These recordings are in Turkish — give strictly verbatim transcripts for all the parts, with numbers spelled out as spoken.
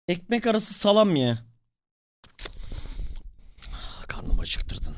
Ekmek arası salam ye. Karnımı acıktırdın.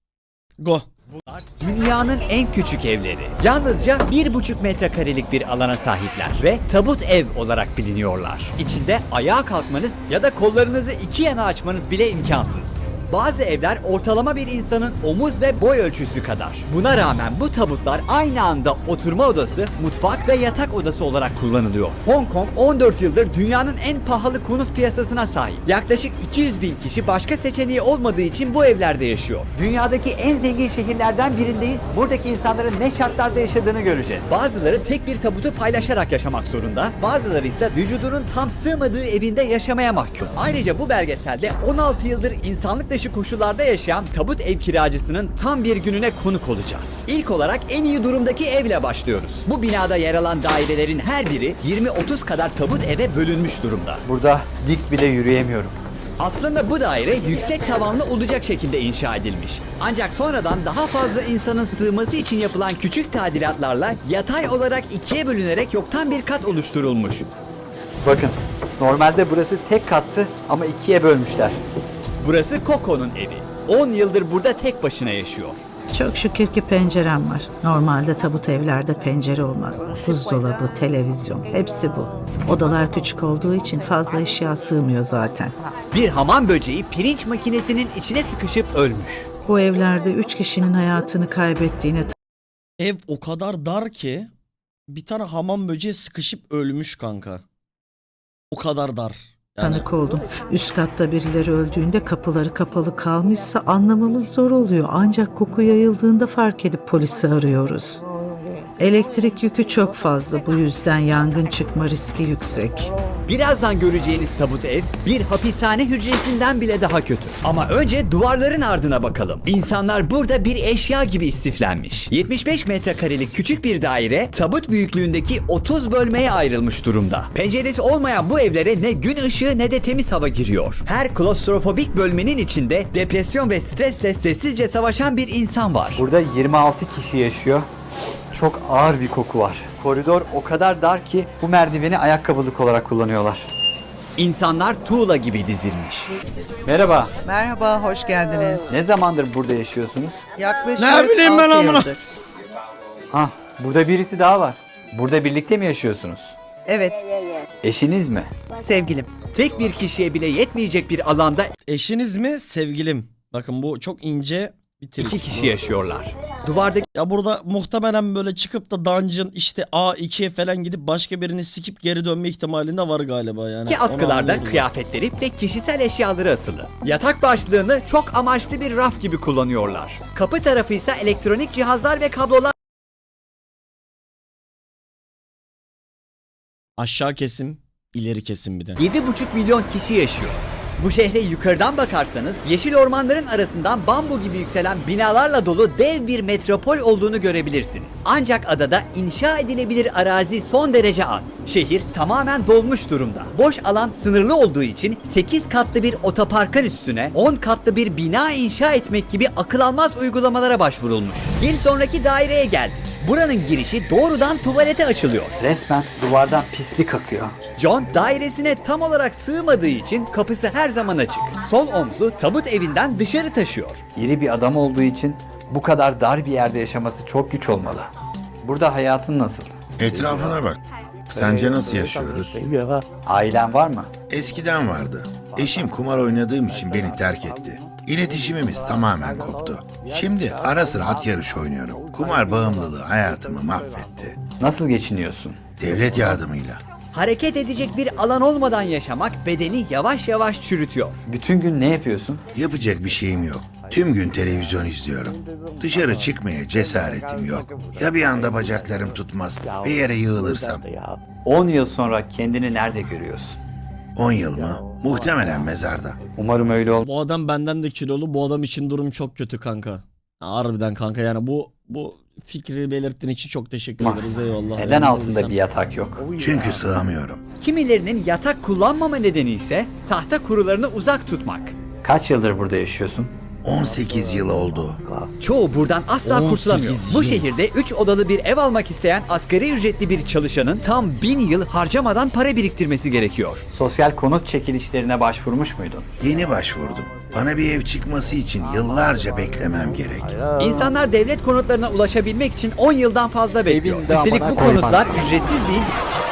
Go. Dünyanın en küçük evleri. Yalnızca bir buçuk metrekarelik bir alana sahipler ve tabut ev olarak biliniyorlar. İçinde ayağa kalkmanız ya da kollarınızı iki yana açmanız bile imkansız. Bazı evler ortalama bir insanın omuz ve boy ölçüsü kadar. Buna rağmen bu tabutlar aynı anda oturma odası, mutfak ve yatak odası olarak kullanılıyor. Hong Kong on dört yıldır dünyanın en pahalı konut piyasasına sahip. Yaklaşık iki yüz bin kişi başka seçeneği olmadığı için bu evlerde yaşıyor. Dünyadaki en zengin şehirlerden birindeyiz. Buradaki insanların ne şartlarda yaşadığını göreceğiz. Bazıları tek bir tabutu paylaşarak yaşamak zorunda. Bazıları ise vücudunun tam sığmadığı evinde yaşamaya mahkum. Ayrıca bu belgeselde on altı yıldır insanlık dışı koşullarda yaşayan tabut ev kiracısının tam bir gününe konuk olacağız. İlk olarak en iyi durumdaki evle başlıyoruz. Bu binada yer alan dairelerin her biri yirmi otuz kadar tabut eve bölünmüş durumda. Burada dik bile yürüyemiyorum. Aslında bu daire yüksek tavanlı olacak şekilde inşa edilmiş. Ancak sonradan daha fazla insanın sığması için yapılan küçük tadilatlarla yatay olarak ikiye bölünerek yoktan bir kat oluşturulmuş. Bakın, normalde burası tek kattı ama ikiye bölmüşler. Burası Coco'nun evi. on yıldır burada tek başına yaşıyor. Çok şükür ki pencerem var. Normalde tabut evlerde pencere olmaz. Buzdolabı, televizyon, hepsi bu. Odalar küçük olduğu için fazla eşya sığmıyor zaten. Bir hamam böceği pirinç makinesinin içine sıkışıp ölmüş. Bu evlerde üç kişinin hayatını kaybettiğine Ev o kadar dar ki bir tane hamam böceği sıkışıp ölmüş kanka. O kadar dar. Yani tanık oldum. Üst katta birileri öldüğünde kapıları kapalı kalmışsa anlamamız zor oluyor. Ancak koku yayıldığında fark edip polisi arıyoruz. Elektrik yükü çok fazla, bu yüzden yangın çıkma riski yüksek. Birazdan göreceğiniz tabut ev bir hapishane hücresinden bile daha kötü. Ama önce duvarların ardına bakalım. İnsanlar burada bir eşya gibi istiflenmiş. yetmiş beş metrekarelik küçük bir daire tabut büyüklüğündeki otuz bölmeye ayrılmış durumda. Penceresi olmayan bu evlere ne gün ışığı ne de temiz hava giriyor. Her klostrofobik bölmenin içinde depresyon ve stresle sessizce savaşan bir insan var. Burada yirmi altı kişi yaşıyor. Çok ağır bir koku var. Koridor o kadar dar ki bu merdiveni ayakkabılık olarak kullanıyorlar. İnsanlar tuğla gibi dizilmiş. Merhaba, Merhaba, hoş geldiniz. ne zamandır burada yaşıyorsunuz? Yaklaşık Ne bileyim ben altı amına. yıldır. Ah, burada birisi daha var. Burada birlikte mi yaşıyorsunuz? Evet, Eşiniz mi? sevgilim. Tek bir kişiye bile yetmeyecek bir alanda eşiniz mi sevgilim? Bakın bu çok ince bir trik. iki kişi yaşıyorlar. Duvardaki Ya burada muhtemelen böyle çıkıp da dungeon işte A ikiye falan gidip başka birini sikip geri dönme ihtimalinde var galiba yani. Onu askılarda anlıyoruz. kıyafetleri ve kişisel eşyaları asılı. Yatak başlığını çok amaçlı bir raf gibi kullanıyorlar. Kapı tarafı ise elektronik cihazlar ve kablolar Aşağı kesim, ileri kesim bir de. yedi buçuk milyon kişi yaşıyor. Bu şehre yukarıdan bakarsanız yeşil ormanların arasından bambu gibi yükselen binalarla dolu dev bir metropol olduğunu görebilirsiniz. Ancak adada inşa edilebilir arazi son derece az. Şehir tamamen dolmuş durumda. Boş alan sınırlı olduğu için sekiz katlı bir otoparkın üstüne on katlı bir bina inşa etmek gibi akıl almaz uygulamalara başvurulmuş. Bir sonraki daireye geldik. Buranın girişi doğrudan tuvalete açılıyor. Resmen duvardan pislik akıyor. John dairesine tam olarak sığmadığı için kapısı her zaman açık. Sol omzu tabut evinden dışarı taşıyor. İri bir adam olduğu için bu kadar dar bir yerde yaşaması çok güç olmalı. Burada hayatın nasıl? Etrafına bak. Sence nasıl yaşıyoruz? Ailen var mı? Eskiden vardı. Eşim kumar oynadığım için beni terk etti. İletişimimiz tamamen koptu. Şimdi ara sıra at yarışı oynuyorum. Kumar bağımlılığı hayatımı mahvetti. Nasıl geçiniyorsun? Devlet yardımıyla. Hareket edecek bir alan olmadan yaşamak bedeni yavaş yavaş çürütüyor. Bütün gün ne yapıyorsun? Yapacak bir şeyim yok. Tüm gün televizyon izliyorum. Dışarı çıkmaya cesaretim yok. Ya bir anda bacaklarım tutmaz ve yere yığılırsam? on yıl sonra kendini nerede görüyorsun? on yıl mı? Muhtemelen mezarda. Umarım öyle olmaz. Bu adam benden de kilolu. Bu adam için durum çok kötü kanka. Ya harbiden kanka yani bu bu fikri belirttiğin için çok teşekkür ederiz, eyvallah. Neden Yani altında sen- bir yatak yok? Çünkü sığamıyorum. Kimilerinin yatak kullanmama nedeni ise tahta kurularını uzak tutmak. Kaç yıldır burada yaşıyorsun? on sekiz yıl oldu. Çoğu buradan asla on kurtulamıyor. sekiz Bu yıl. şehirde üç odalı bir ev almak isteyen asgari ücretli bir çalışanın tam bin yıl harcamadan para biriktirmesi gerekiyor. Sosyal konut çekilişlerine başvurmuş muydun? Yeni başvurdum. Bana bir ev çıkması için yıllarca beklemem gerek. İnsanlar devlet konutlarına ulaşabilmek için on yıldan fazla bekliyor. Üstelik bu konutlar ücretsiz değil.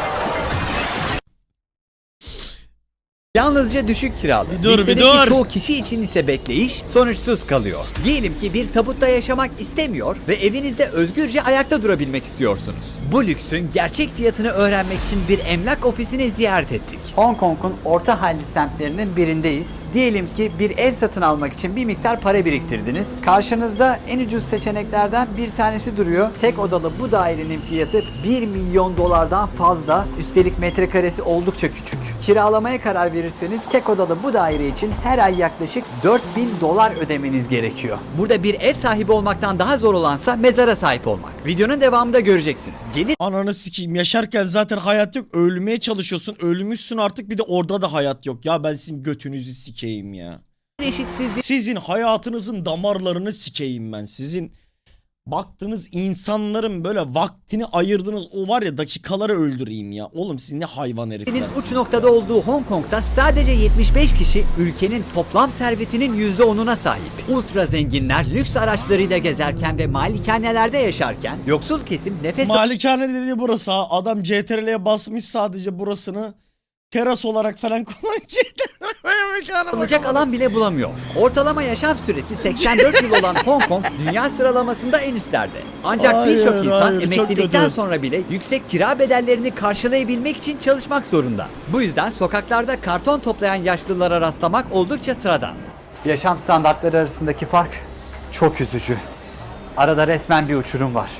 Yalnızca düşük kiralı. Bir dur, bir Listedeki dur. çoğu kişi için ise bekleyiş sonuçsuz kalıyor. Diyelim ki bir tabutta yaşamak istemiyor ve evinizde özgürce ayakta durabilmek istiyorsunuz. Bu lüksün gerçek fiyatını öğrenmek için bir emlak ofisini ziyaret ettik. Hong Kong'un orta halli semtlerinin birindeyiz. Diyelim ki bir ev satın almak için bir miktar para biriktirdiniz. Karşınızda en ucuz seçeneklerden bir tanesi duruyor. Tek odalı bu dairenin fiyatı bir milyon dolardan fazla. Üstelik metrekaresi oldukça küçük. Kiralamaya karar verirseniz tek odalı bu daire için her ay yaklaşık dört bin dolar ödemeniz gerekiyor. Burada bir ev sahibi olmaktan daha zor olansa mezara sahip olmak. Videonun devamında göreceksiniz. Gelir Ananı sikeyim. Yaşarken zaten hayat yok. Ölmeye çalışıyorsun. Ölmüşsün artık, bir de orada da hayat yok. Ya ben sizin götünüzü sikeyim ya. eşitsizliği Sizin hayatınızın damarlarını sikeyim ben. Sizin baktığınız insanların böyle vaktini ayırdığınız o var ya dakikaları öldüreyim ya. Oğlum siz ne hayvan heriflersiniz. uç noktada ya olduğu siz. Hong Kong'da sadece yetmiş beş kişi ülkenin toplam servetinin yüzde onuna sahip. Ultra zenginler lüks araçlarıyla gezerken ve malikanelerde yaşarken yoksul kesim nefes Malikane dediği burası ha. Adam C T R L'ye basmış sadece burasını. Teras olarak falan kullanıyor. C T R L'ye alacak alan bile bulamıyor. Ortalama yaşam süresi seksen dört yıl olan Hong Kong dünya sıralamasında en üstlerde. Ancak Hayır, birçok insan hayır, çok emeklilikten kötü. sonra bile yüksek kira bedellerini karşılayabilmek için çalışmak zorunda. Bu yüzden sokaklarda karton toplayan yaşlılara rastlamak oldukça sıradan. Yaşam standartları arasındaki fark çok üzücü. Arada resmen bir uçurum var.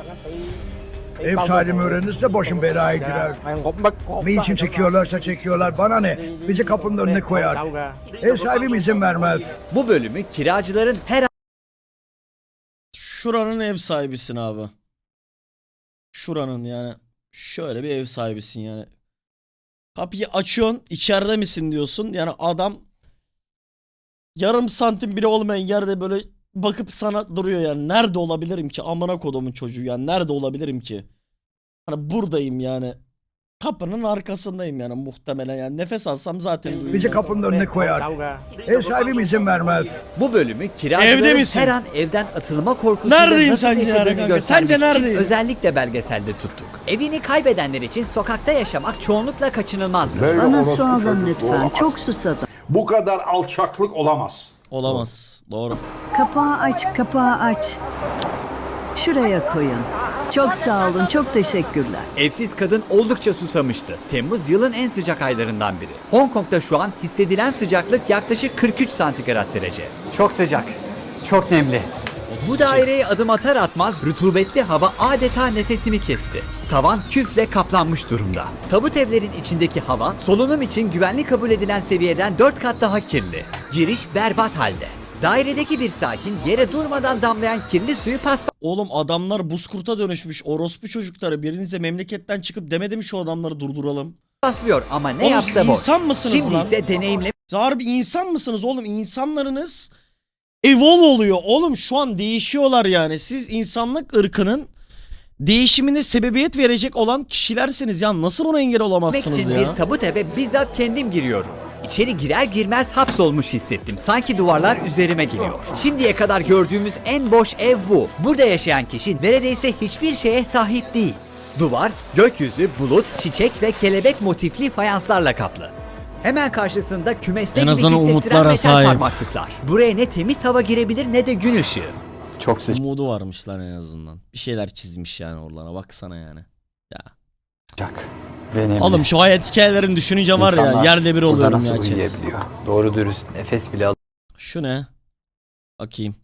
Ev sahibim öğrenirse başım belaya girer. Ne için çekiyorlarsa çekiyorlar, bana ne? Bizi kapının önüne koyar. Ev sahibim izin vermez. Bu bölümü kiracıların her Şuranın ev sahibisin abi. Şuranın yani. Şöyle bir ev sahibisin yani. Kapıyı açıyorsun, içeride misin diyorsun. Yani adam yarım santim bile olmayan yerde böyle bakıp sana duruyor yani. Nerede olabilirim ki? Amına kodumun çocuğu yani. Nerede olabilirim ki? Hani buradayım yani. Kapının arkasındayım yani muhtemelen yani. Nefes alsam zaten Bizi duyuyorum. kapının önüne koyar. Ev sahibim izin vermez. Bu bölümü Evde kiracıların misin? her an evden atılma korkusuyla Neredeyim nasıl sence yani yaşadığını kanka? göstermek Sence için neredeyim? özellikle belgeselde tuttuk. Evini kaybedenler için sokakta yaşamak çoğunlukla kaçınılmazdır. Böyle Bana orospu su alın çocuk lütfen. olamaz. Çok susadım. Bu kadar alçaklık olamaz. Olamaz. Doğru. Kapağı aç, kapağı aç. Şuraya koyun. Çok sağ olun, çok teşekkürler. Evsiz kadın oldukça susamıştı. Temmuz yılın en sıcak aylarından biri. Hong Kong'da şu an hissedilen sıcaklık yaklaşık kırk üç santigrat derece. Çok sıcak, çok nemli. Bu daireye adım atar atmaz rutubetli hava adeta nefesimi kesti. Tavan küfle kaplanmış durumda. Tabut evlerin içindeki hava solunum için güvenli kabul edilen seviyeden dört kat daha kirli. Giriş berbat halde. Dairedeki bir sakin yere durmadan damlayan kirli suyu Oğlum adamlar buzkurta dönüşmüş. Orospu çocukları. Birinize memleketten çıkıp demedi mi şu adamları durduralım? paspaslıyor ama ne Oğlum yapsa siz boş. insan mısınız Şimdi lan? ise deneyimle Siz harbi insan mısınız oğlum? İnsanlarınız evolve oluyor. Oğlum şu an değişiyorlar yani. Siz insanlık ırkının değişimine sebebiyet verecek olan kişilersiniz. Ya nasıl buna engel olamazsınız için ya? bir tabut eve bizzat kendim giriyorum. İçeri girer girmez hapsolmuş hissettim. Sanki duvarlar üzerime geliyor. Şimdiye kadar gördüğümüz en boş ev bu. Burada yaşayan kişi neredeyse hiçbir şeye sahip değil. Duvar, gökyüzü, bulut, çiçek ve kelebek motifli fayanslarla kaplı. Hemen karşısında kümeste En gibi azından hissettiren umutlara metal sahip. parmaklıklar. Buraya ne temiz hava girebilir ne de gün ışığı. Çok sıcak. Umudu varmış lan en azından. Bir şeyler çizmiş yani oralara. Baksana yani. Ya. Ve nemli. Oğlum şu hayat hikayelerini düşününce var ya İnsanlar yerde bir burada oluyorum nasıl ya. chat. uyuyabiliyor? Doğru dürüst nefes bile al. Şu ne? Bakayım.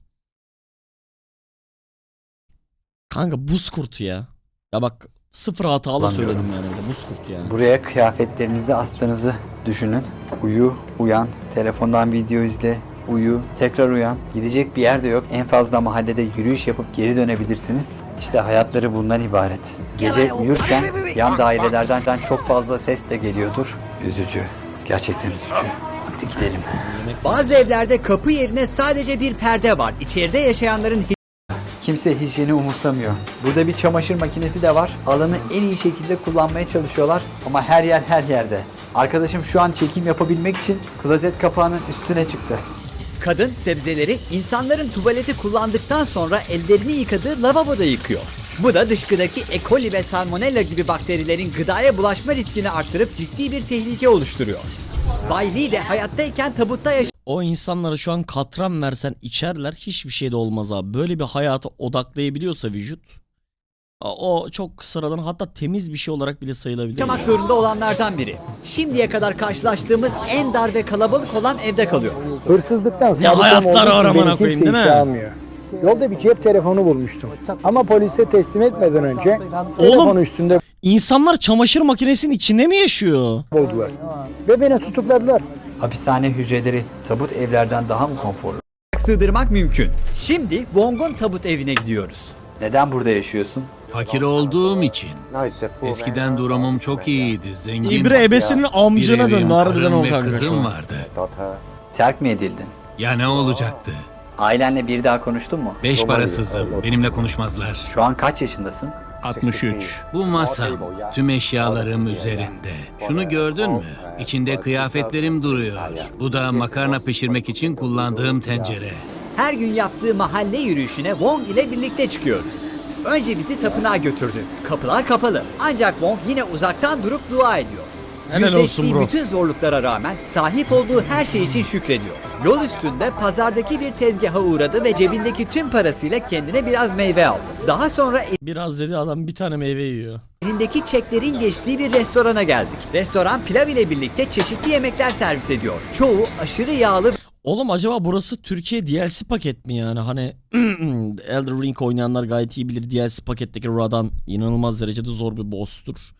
Kanka buz kurtu ya. Ya bak sıfır hatalı Anlıyorum. söyledim yani. Bir de buz kurtu yani. Buraya kıyafetlerinizi astığınızı düşünün. Uyu, uyan, telefondan video izle, uyu, tekrar uyan. Gidecek bir yer de yok. En fazla mahallede yürüyüş yapıp geri dönebilirsiniz. İşte hayatları bundan ibaret. Gece uyurken yan dairelerden çok fazla ses de geliyordur. Üzücü. Gerçekten üzücü. Hadi gidelim. Bazı evlerde kapı yerine sadece bir perde var. İçeride yaşayanların Kimse hijyeni umursamıyor. Burada bir çamaşır makinesi de var. Alanı en iyi şekilde kullanmaya çalışıyorlar ama her yer her yerde. Arkadaşım şu an çekim yapabilmek için klozet kapağının üstüne çıktı. kadın sebzeleri insanların tuvaleti kullandıktan sonra ellerini yıkadığı lavaboda yıkıyor. Bu da dışkıdaki E. coli ve salmonella gibi bakterilerin gıdaya bulaşma riskini arttırıp ciddi bir tehlike oluşturuyor. Bay Lee de hayattayken tabutta yaşayan O insanlara şu an katran versen içerler, hiçbir şey de olmaz abi. Böyle bir hayata odaklayabiliyorsa vücut, o çok sıradan, hatta temiz bir şey olarak bile sayılabilir. yaşamak zorunda olanlardan biri. Şimdiye kadar karşılaştığımız en dar ve kalabalık olan evde kalıyor. Hırsızlıktan Ne hayatlar var amına koyayım, değil mi? almıyor. Yolda bir cep telefonu bulmuştum. Ama polise teslim etmeden önce Oğlum, telefonu üstünde insanlar çamaşır makinesinin içinde mi yaşıyor? buldular. Ve beni tutukladılar. Hapishane hücreleri tabut evlerden daha mı konforlu? Sığdırmak mümkün. Şimdi Wong'un tabut evine gidiyoruz. Neden burada yaşıyorsun? Fakir olduğum için. Eskiden durumum çok iyiydi. Zengin. İbre ebesinin bir amcına evim, döndü harbiden karım o ve kanka şu kızım an. vardı. Terk mi edildin? Ya ne olacaktı? Ailenle bir daha konuştun mu? Beş parasızım. Benimle konuşmazlar. Şu an kaç yaşındasın? altmış üç. Bu masam. Tüm eşyalarım üzerinde. Şunu gördün mü? İçinde kıyafetlerim duruyor. Bu da makarna pişirmek için kullandığım tencere. Her gün yaptığı mahalle yürüyüşüne Wong ile birlikte çıkıyoruz. Önce bizi tapınağa götürdü. Kapılar kapalı. Ancak Wong yine uzaktan durup dua ediyor. Helal olsun Yüzleştiği bro. bütün zorluklara rağmen sahip olduğu her şey için şükrediyor. Yol üstünde pazardaki bir tezgaha uğradı ve cebindeki tüm parasıyla kendine biraz meyve aldı. Daha sonra Biraz dedi adam, bir tane meyve yiyor. elindeki çeklerin geçtiği bir restorana geldik. Restoran pilav ile birlikte çeşitli yemekler servis ediyor. Çoğu aşırı yağlı Oğlum acaba burası Türkiye D L C paket mi yani? Hani Elden Ring oynayanlar gayet iyi bilir, D L C paketteki Radan inanılmaz derecede zor bir boss'tur.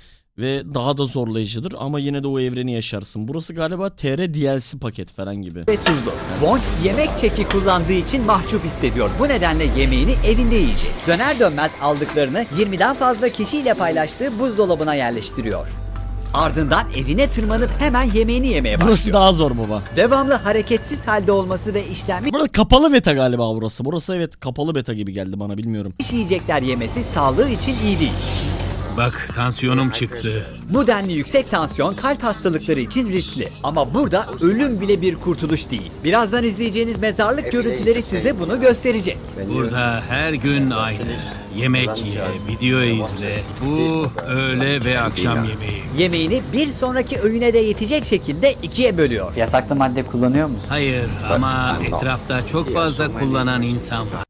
Ve daha da zorlayıcıdır ama yine de o evreni yaşarsın. Burası galiba T R D L C paket falan gibi. ve tuzlu. Wong yemek çeki kullandığı için mahcup hissediyor. Bu nedenle yemeğini evinde yiyecek. Döner dönmez aldıklarını yirmiden fazla kişiyle paylaştığı buzdolabına yerleştiriyor. Ardından evine tırmanıp hemen yemeğini yemeye başlıyor. Burası daha zor baba. Devamlı hareketsiz halde olması ve işlenmiş Burada kapalı beta galiba burası. Burası evet kapalı beta gibi geldi bana, bilmiyorum. yiyecekler yemesi sağlığı için iyi değil. Bak, tansiyonum çıktı. Bu denli yüksek tansiyon kalp hastalıkları için riskli. Ama burada ölüm bile bir kurtuluş değil. Birazdan izleyeceğiniz mezarlık görüntüleri size bunu gösterecek. Burada her gün aynı. Yemek ye, video izle. Bu öğle ve akşam yemeği. Yemeğini bir sonraki öğüne de yetecek şekilde ikiye bölüyor. Yasaklı madde kullanıyor musun? Hayır ama etrafta çok fazla kullanan insan var.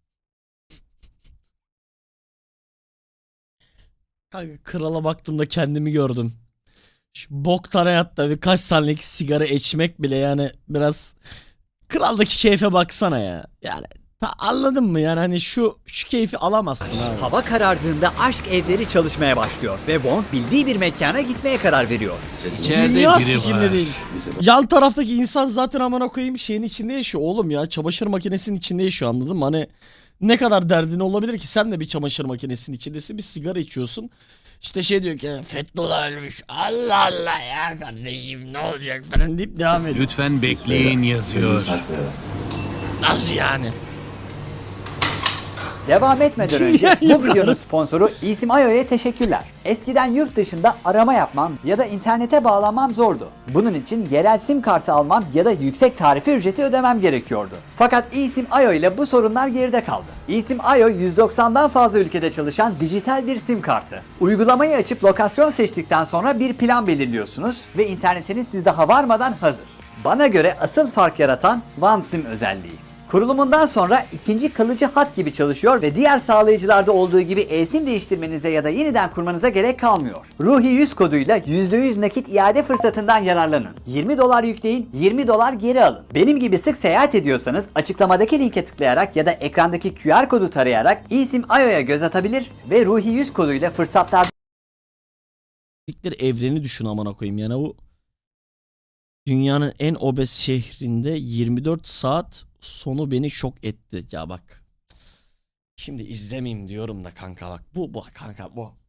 Kanka krala baktığımda kendimi gördüm. Şu boktan hayatta birkaç saniyelik sigara içmek bile yani biraz, kraldaki keyfe baksana ya. Yani ta, anladın mı yani, hani şu şu keyfi alamazsın abi. Hava karardığında aşk evleri çalışmaya başlıyor ve Wong bildiği bir mekana gitmeye karar veriyor. İçeride Dünya biri sikinde var. değil. Yan taraftaki insan zaten amına koyayım şeyin içinde yaşıyor oğlum ya. Çamaşır makinesinin içinde yaşıyor, anladın mı? Hani ne kadar derdin olabilir ki, sen de bir çamaşır makinesinin içindesin, bir sigara içiyorsun. İşte şey diyor ki Fethullah ölmüş. Allah Allah ya kardeşim ne olacak falan deyip devam ediyor. Lütfen bekleyin yazıyor. Nasıl yani? Devam etmeden önce bu videonun sponsoru İsim Ayo'ya teşekkürler. Eskiden yurt dışında arama yapmam ya da internete bağlanmam zordu. Bunun için yerel sim kartı almam ya da yüksek tarife ücreti ödemem gerekiyordu. Fakat İsim Ayo ile bu sorunlar geride kaldı. İsim Ayo yüz doksandan fazla ülkede çalışan dijital bir sim kartı. Uygulamayı açıp lokasyon seçtikten sonra bir plan belirliyorsunuz ve internetiniz size daha varmadan hazır. Bana göre asıl fark yaratan OneSIM özelliği. Kurulumundan sonra ikinci kalıcı hat gibi çalışıyor ve diğer sağlayıcılarda olduğu gibi e-sim değiştirmenize ya da yeniden kurmanıza gerek kalmıyor. Ruhi yüz koduyla yüzde yüz nakit iade fırsatından yararlanın. yirmi dolar yükleyin, yirmi dolar geri alın. Benim gibi sık seyahat ediyorsanız açıklamadaki linke tıklayarak ya da ekrandaki Q R kodu tarayarak İsim Ayo'ya göz atabilir ve Ruhi yüz koduyla fırsatlar Evreni düşün amına koyayım yani, bu dünyanın en obez şehrinde yirmi dört saat sonu beni şok etti ya bak. Şimdi izlemeyeyim diyorum da kanka bak. Bu bu kanka bu.